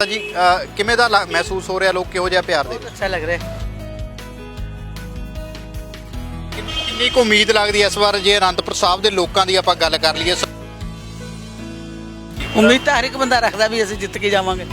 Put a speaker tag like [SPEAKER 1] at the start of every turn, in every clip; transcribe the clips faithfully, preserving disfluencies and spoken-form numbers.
[SPEAKER 1] जी किमें दा ला- महसूस हो रहा, लोग किहो जिहा प्यार दे
[SPEAKER 2] अच्छा लग रहा है।
[SPEAKER 1] किन्नी कुछ उम्मीद लगदी इस बार जे आनंदपुर साहब दे लोकां दी आपां गल कर लईए
[SPEAKER 2] उम्मीद तो हर एक बंदा रखता भी असं जित के जावांगे।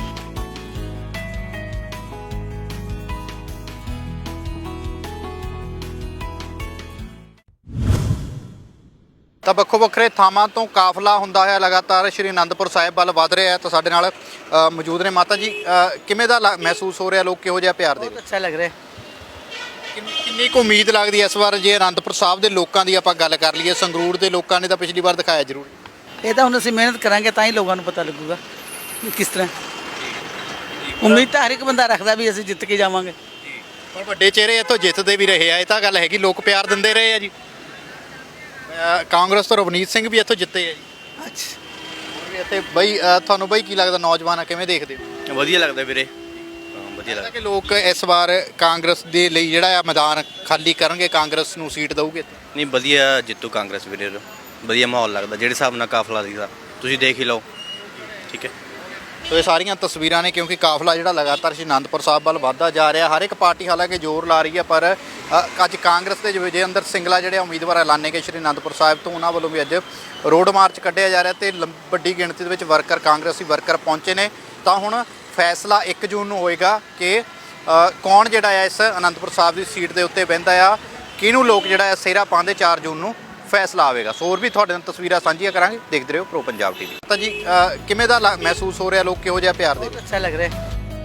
[SPEAKER 1] ਤਾਂ ਵੱਖੋ ਵੱਖਰੇ ਥਾਵਾਂ ਤੋਂ ਕਾਫਲਾ ਹੁੰਦਾ ਹੋਇਆ ਲਗਾਤਾਰ ਸ਼੍ਰੀ ਅਨੰਦਪੁਰ ਸਾਹਿਬ ਵੱਲ ਵਧ ਰਿਹਾ ਹੈ। ਤਾਂ ਸਾਡੇ ਨਾਲ ਅ, ਮੌਜੂਦ ਨੇ ਮਾਤਾ ਜੀ। ਅ, ਕਿਵੇਂ ਦਾ ਲਾ- ਮਹਿਸੂਸ ਹੋ ਰਿਹਾ, ਲੋਕ ਕਿਹੋ ਜਿਹਾ ਪਿਆਰ ਦੇ
[SPEAKER 2] बहुत अच्छा लग रहा है।
[SPEAKER 1] ਕਿੰਨ- ਕਿੰਨੀ ਕੁ ਉਮੀਦ ਲੱਗਦੀ ਇਸ ਵਾਰ ਜੇ ਅਨੰਦਪੁਰ ਸਾਹਿਬ ਦੇ ਲੋਕਾਂ ਦੀ ਆਪਾਂ ਗੱਲ ਕਰ ਲਈਏ? ਸੰਗਰੂਰ ਦੇ ਲੋਕਾਂ ਨੇ ਤਾਂ ਪਿਛਲੀ ਵਾਰ ਦਿਖਾਇਆ ਜ਼ਰੂਰ।
[SPEAKER 2] ये तो हम असं मेहनत करांगे ਤਾਂ ਹੀ ਲੋਕਾਂ ਨੂੰ ਪਤਾ ਲੱਗੂਗਾ ਵੀ ਕਿਸ ਤਰ੍ਹਾਂ। ਉਮੀਦ ਤਾਂ ਹਰ ਇੱਕ ਬੰਦਾ ਰੱਖਦਾ ਵੀ ਅਸੀਂ ਜਿੱਤ ਕੇ ਜਾਵਾਂਗੇ।
[SPEAKER 1] ਪਰ ਵੱਡੇ ਚਿਹਰੇ ਇੱਥੋਂ ਜਿੱਤਦੇ ਵੀ ਰਹੇ ਆ, ਇਹ ਤਾਂ ਗੱਲ ਹੈਗੀ, ਲੋਕ ਪਿਆਰ ਦਿੰਦੇ ਰਹੇ ਆ ਜੀ। ਅ, ਕਾਂਗਰਸ ਤੋਂ ਰਵਨੀਤ ਸਿੰਘ ਵੀ ਇੱਥੋਂ ਜਿੱਤੇ ਆ ਜੀ।
[SPEAKER 2] ਅੱਛਾ,
[SPEAKER 1] ਹੋਰ ਵੀ ਇੱਥੇ ਬਈ ਅ, ਤੁਹਾਨੂੰ ਬਈ ਕੀ ਲੱਗਦਾ, ਨੌਜਵਾਨ ਆ ਕਿਵੇਂ ਦੇਖਦੇ ਹੋ?
[SPEAKER 3] ਵਧੀਆ ਲੱਗਦਾ ਵੀਰੇ, ਹਾਂ ਵਧੀਆ
[SPEAKER 1] ਲੱਗਦਾ
[SPEAKER 3] ਲੱਗਦਾ।
[SPEAKER 1] ਕਿ ਲੋਕ ਇਸ ਵਾਰ ਕਾਂਗਰਸ ਦੇ ਲਈ ਜਿਹੜਾ ਆ ਮੈਦਾਨ ਖਾਲੀ ਕਰਨਗੇ, ਕਾਂਗਰਸ ਨੂੰ ਸੀਟ ਦਊਗੇ?
[SPEAKER 3] ਨਹੀਂ ਵਧੀਆ ਜਿੱਤੂ ਕਾਂਗਰਸ ਵੀਰੇ, ਵਧੀਆ ਮਾਹੌਲ ਲੱਗਦਾ ਜਿਹੜੇ ਹਿਸਾਬ ਨਾਲ ਕਾਫਲਾ ਸੀਗਾ, ਤੁਸੀਂ ਦੇਖ ਹੀ ਲਓ। ਠੀਕ ਹੈ,
[SPEAKER 1] ਸੋ ਇਹ ਸਾਰੀਆਂ ਤਸਵੀਰਾਂ ਨੇ, ਕਿਉਂਕਿ ਕਾਫਲਾ ਜਿਹੜਾ ਲਗਾਤਾਰ ਸ਼੍ਰੀ ਅਨੰਦਪੁਰ ਸਾਹਿਬ ਵੱਲ ਵੱਧਦਾ ਜਾ ਰਿਹਾ। ਹਰ ਇੱਕ ਪਾਰਟੀ ਹਾਲਾਂਕਿ ਜ਼ੋਰ ਲਾ ਰਹੀ ਹੈ, ਪਰ ਅ, ਅੱਜ ਕਾਂਗਰਸ ਦੇ ਵਿਜੇਂਦਰ ਸਿੰਗਲਾ ਜਿਹੜੇ ਉਮੀਦਵਾਰ ਐਲਾਨੇ ਗਏ ਸ਼੍ਰੀ ਅਨੰਦਪੁਰ ਸਾਹਿਬ ਤੋਂ, ਉਹਨਾਂ ਵੱਲੋਂ ਵੀ ਅੱਜ ਰੋਡ ਮਾਰਚ ਕੱਢਿਆ ਜਾ ਰਿਹਾ ਤੇ ਲੰ- ਵੱਡੀ ਗਿਣਤੀ ਦੇ ਵਿੱਚ ਵਰਕਰ, ਕਾਂਗਰਸੀ ਵਰਕਰ ਪਹੁੰਚੇ ਨੇ। ਤਾਂ ਹੁਣ ਫੈਸਲਾ ਇੱਕ ਜੂਨ ਨੂੰ ਹੋਏਗਾ ਕਿ ਅ, ਕੌਣ ਜਿਹੜਾ ਹੈ ਇਸ ਅਨੰਦਪੁਰ ਸਾਹਿਬ ਦੀ ਸੀਟ ਦੇ ਉੱਤੇ ਬਹਿੰਦਾ ਆ, ਕਿਹਨੂੰ ਲੋਕ ਜਿਹੜਾ ਹੈ ਸਿਹਰਾ ਪਾਉਂਦੇ। ਚਾਰ ਜੂਨ ਨੂੰ ਫੈਸਲਾ ਆਵੇਗਾ। ਸੋ ਹੋਰ ਵੀ ਤੁਹਾਡੇ ਨਾਲ ਤਸਵੀਰਾਂ ਸਾਂਝੀਆਂ ਕਰਾਂਗੇ, ਦੇਖਦੇ ਰਹੋ ਪ੍ਰੋ ਪੰਜਾਬ ਟੀਵੀ। ਤਾਂ ਜੀ ਅ, ਕਿਵੇਂ ਦਾ ਲਾ- ਮਹਿਸੂਸ ਹੋ ਰਿਹਾ, ਲੋਕ ਕਿਹੋ ਜਿਹਾ ਪਿਆਰ ਦੇ
[SPEAKER 2] ਬਹੁਤ अच्छा लग रहा है।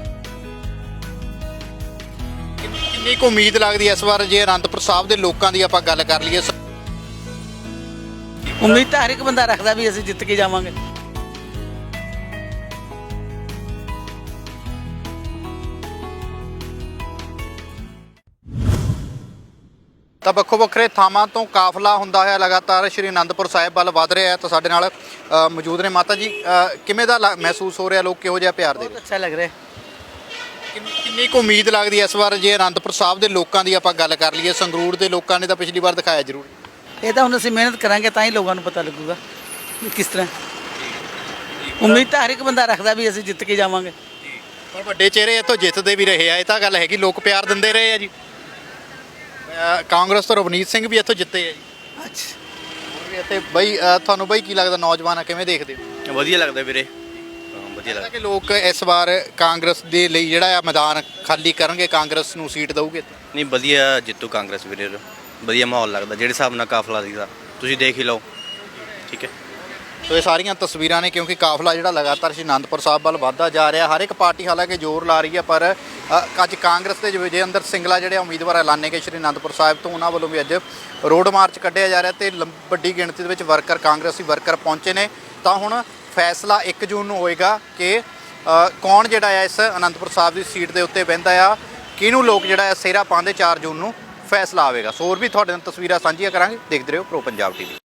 [SPEAKER 1] ਕਿੰਨ- ਕਿੰਨੀ ਕੁ ਉਮੀਦ ਲੱਗਦੀ ਇਸ ਵਾਰ ਜੇ ਅਨੰਦਪੁਰ ਸਾਹਿਬ ਦੇ ਲੋਕਾਂ ਦੀ ਆਪਾਂ ਗੱਲ ਕਰ ਲਈਏ?
[SPEAKER 2] ਉਮੀਦ ਤਾਂ ਹਰ ਇੱਕ ਬੰਦਾ ਰੱਖਦਾ ਵੀ ਅਸੀਂ ਜਿੱਤ ਕੇ ਜਾਵਾਂਗੇ।
[SPEAKER 1] ਤਾਂ ਵੱਖੋ ਵੱਖਰੇ ਥਾਵਾਂ ਤੋਂ ਕਾਫਲਾ ਹੁੰਦਾ ਹੋਇਆ ਲਗਾਤਾਰ ਸ਼੍ਰੀ ਅਨੰਦਪੁਰ ਸਾਹਿਬ ਵੱਲ ਵਧ ਰਿਹਾ ਹੈ। ਤਾਂ ਸਾਡੇ ਨਾਲ ਅ, ਮੌਜੂਦ ਨੇ ਮਾਤਾ ਜੀ। ਅ, ਕਿਵੇਂ ਦਾ ਲਾ- ਮਹਿਸੂਸ ਹੋ ਰਿਹਾ, ਲੋਕ ਕਿਹੋ ਜਿਹਾ ਪਿਆਰ ਦੇ
[SPEAKER 2] ਬਹੁਤ अच्छा लग रहा है।
[SPEAKER 1] ਕਿੰਨ- ਕਿੰਨੀ ਕੁ ਉਮੀਦ ਲੱਗਦੀ ਇਸ ਵਾਰ ਜੇ ਅਨੰਦਪੁਰ ਸਾਹਿਬ ਦੇ ਲੋਕਾਂ ਦੀ ਆਪਾਂ ਗੱਲ ਕਰ ਲਈਏ? ਸੰਗਰੂਰ ਦੇ ਲੋਕਾਂ ਨੇ ਤਾਂ ਪਿਛਲੀ ਵਾਰ ਦਿਖਾਇਆ ਜ਼ਰੂਰ।
[SPEAKER 2] ਇਹ ਤਾਂ ਹੁਣ ਅਸੀਂ ਮਿਹਨਤ ਕਰਾਂਗੇ ਤਾਂ ਹੀ ਲੋਕਾਂ ਨੂੰ ਪਤਾ ਲੱਗੂਗਾ ਵੀ ਕਿਸ ਤਰ੍ਹਾਂ। ਉਮੀਦ ਤਾਂ ਹਰ ਇੱਕ ਬੰਦਾ ਰੱਖਦਾ ਵੀ ਅਸੀਂ ਜਿੱਤ ਕੇ ਜਾਵਾਂਗੇ।
[SPEAKER 1] ਪਰ ਵੱਡੇ ਚਿਹਰੇ ਇੱਥੋਂ ਜਿੱਤਦੇ ਵੀ ਰਹੇ ਆ, ਇਹ ਤਾਂ ਗੱਲ ਹੈਗੀ, ਲੋਕ ਪਿਆਰ ਦਿੰਦੇ ਰਹੇ ਆ ਜੀ। ਅ, ਕਾਂਗਰਸ ਤੋਂ ਰਵਨੀਤ ਸਿੰਘ ਵੀ ਇੱਥੋਂ ਜਿੱਤੇ ਆ ਜੀ।
[SPEAKER 2] ਅੱਛਾ,
[SPEAKER 1] ਹੋਰ ਵੀ ਇੱਥੇ ਬਈ ਅ, ਤੁਹਾਨੂੰ ਬਈ ਕੀ ਲੱਗਦਾ, ਨੌਜਵਾਨ ਆ ਕਿਵੇਂ ਦੇਖਦੇ ਹੋ?
[SPEAKER 3] ਵਧੀਆ ਲੱਗਦਾ ਵੀਰੇ, ਹਾਂ ਵਧੀਆ
[SPEAKER 1] ਲੱਗਦਾ
[SPEAKER 3] ਲੱਗਦਾ।
[SPEAKER 1] ਕਿ ਲੋਕ ਇਸ ਵਾਰ ਕਾਂਗਰਸ ਦੇ ਲਈ ਜਿਹੜਾ ਆ ਮੈਦਾਨ ਖਾਲੀ ਕਰਨਗੇ, ਕਾਂਗਰਸ ਨੂੰ ਸੀਟ ਦਊਗੇ?
[SPEAKER 3] ਨਹੀਂ ਵਧੀਆ ਜਿੱਤੂ ਕਾਂਗਰਸ ਵੀਰੇ, ਵਧੀਆ ਮਾਹੌਲ ਲੱਗਦਾ ਜਿਹੜੇ ਹਿਸਾਬ ਨਾਲ ਕਾਫਲਾ ਸੀਗਾ, ਤੁਸੀਂ ਦੇਖ ਹੀ ਲਓ। ਠੀਕ ਹੈ,
[SPEAKER 1] ਸੋ ਇਹ ਸਾਰੀਆਂ ਤਸਵੀਰਾਂ ਨੇ, ਕਿਉਂਕਿ ਕਾਫਲਾ ਜਿਹੜਾ ਲਗਾਤਾਰ ਸ਼੍ਰੀ ਅਨੰਦਪੁਰ ਸਾਹਿਬ ਵੱਲ ਵੱਧਦਾ ਜਾ ਰਿਹਾ। ਹਰ ਇੱਕ ਪਾਰਟੀ ਹਾਲਾਂਕਿ ਜ਼ੋਰ ਲਾ ਰਹੀ ਹੈ, ਪਰ ਅ, ਅੱਜ ਕਾਂਗਰਸ ਦੇ ਵਿਜੇਂਦਰ ਸਿੰਗਲਾ ਜਿਹੜੇ ਉਮੀਦਵਾਰ ਐਲਾਨੇ ਗਏ ਸ਼੍ਰੀ ਅਨੰਦਪੁਰ ਸਾਹਿਬ ਤੋਂ, ਉਹਨਾਂ ਵੱਲੋਂ ਵੀ ਅੱਜ ਰੋਡ ਮਾਰਚ ਕੱਢਿਆ ਜਾ ਰਿਹਾ ਤੇ ਲੰ- ਵੱਡੀ ਗਿਣਤੀ ਦੇ ਵਿੱਚ ਵਰਕਰ, ਕਾਂਗਰਸੀ ਵਰਕਰ ਪਹੁੰਚੇ ਨੇ। ਤਾਂ ਹੁਣ ਫੈਸਲਾ ਇੱਕ ਜੂਨ ਨੂੰ ਹੋਏਗਾ ਕਿ ਅ, ਕੌਣ ਜਿਹੜਾ ਹੈ ਇਸ ਅਨੰਦਪੁਰ ਸਾਹਿਬ ਦੀ ਸੀਟ ਦੇ ਉੱਤੇ ਬਹਿੰਦਾ ਆ, ਕਿਹਨੂੰ ਲੋਕ ਜਿਹੜਾ ਹੈ ਸਿਹਰਾ ਪਾਉਂਦੇ। ਚਾਰ ਜੂਨ ਨੂੰ ਫੈਸਲਾ ਆਵੇਗਾ। ਸੋ ਹੋਰ ਵੀ ਤੁਹਾਡੇ ਨਾਲ ਤਸਵੀਰਾਂ ਸਾਂਝੀਆਂ ਕਰਾਂਗੇ, ਦੇਖਦੇ ਰਹੋ ਪ੍ਰੋ ਪੰਜਾਬ ਟੀਵੀ।